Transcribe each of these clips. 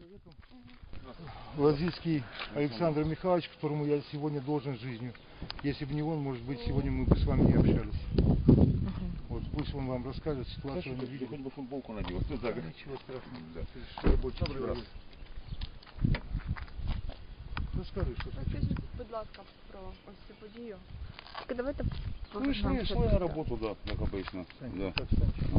человеком. Лазицкий Александр Михайлович, которому я сегодня должен жизнью. Если бы не он, может быть, сегодня мы бы с вами не общались. Вот пусть он вам расскажет ситуацию. Хоть бы футболку надел. Ничего страшного. Да. Рабочий человек. Розкажи, що таке. Розкажіть, будь ласка, про ось цю подію. Тільки давайте Шли на работу, да, как обычно. Да. Так, Санчо.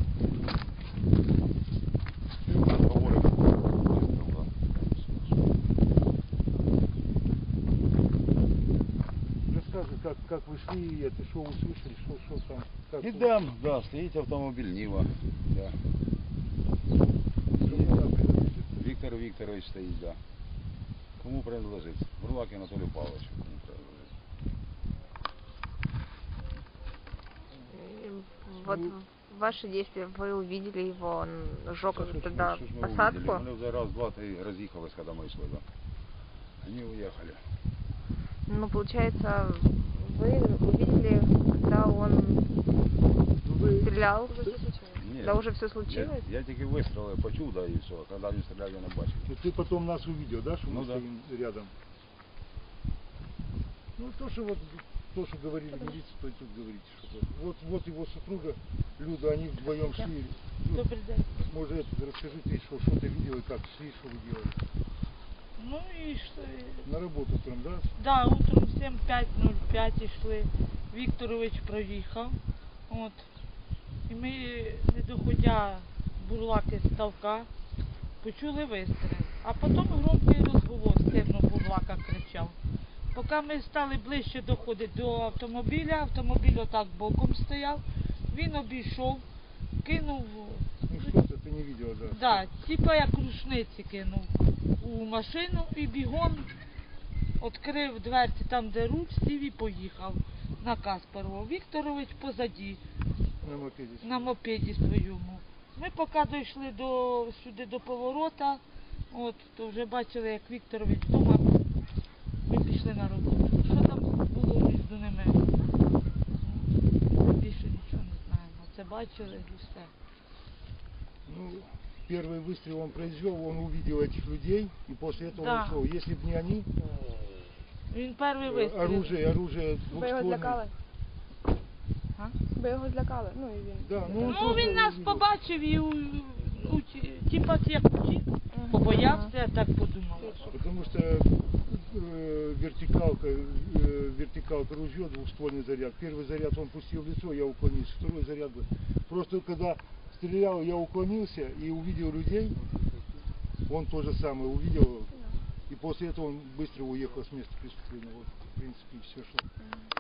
Расскажи, как вы шли, это что услышали, что там? Как Идем, да, стоит автомобиль Нива. Да. Виктор Викторович стоит, да. Кому принадлежит? Бурлак Анатолию Павловичу. Кому принадлежит? Вот ваши действия, вы увидели его, он сжег тогда Что ж мы посадку. увидели? Мы раз, два, три разъехалось, когда мы шли, да. Они уехали. Ну, получается, вы увидели, когда он стрелял? Нет, Да уже все случилось? Я тільки вистріли почув, да, і все. А коли він стріляв, я не бачив. Ты потом нас увидел, да, что Ну мы да. стоим рядом? Ну, то, что говорили милиция, то и тут говорите, что вот его супруга Люда, они вдвоем шли. Добрый день. Может, это, расскажи ты, что ты видел и как шли, что вы делали? Ну і йшли. На работу утром, да? Да, утром 7:05 йшли. Вікторович проїхав. От. І ми, не доходя бурлаки з ставка, почули вистріл. А потім громкий розговор, сильно бурлака кричав. Поки ми стали ближче доходити до автомобіля, автомобіль отак боком стояв, він обійшов, кинув, Ну, что-то ты не видела, да? да, типа як рушниці кинув у машину і бігом відкрив дверці там, де руль, сів і поїхав на Каспарова. Вікторович позаді, На мопеде. на мопеді своєму. Ми поки дійшли сюди до поворота, от, то вже бачили, як Вікторович вдома, ми пішли на роботу. Що там було між ними? Більше нічого не знаємо. Це бачили і все. Ну, первый выстрел он произвел, он увидел этих людей, и после этого Да. он ушел. Если бы не они, Він перший вистріл. оружие Ви його двухствольное. злякали? А? Ви його злякали? Ну і він. Да, ну, он Ну, просто він нас увидел. побачив і типа як втік, побоявся, я так подумала. Потому что вертикалка ружье, двухствольный заряд. Первый заряд он пустил в лицо, я уклонился. Второй заряд был. Просто когда стрелял, я уклонился и увидел людей. Он то же самое увидел. И после этого он быстро уехал с места преступления. Вот, в принципе, и все, что.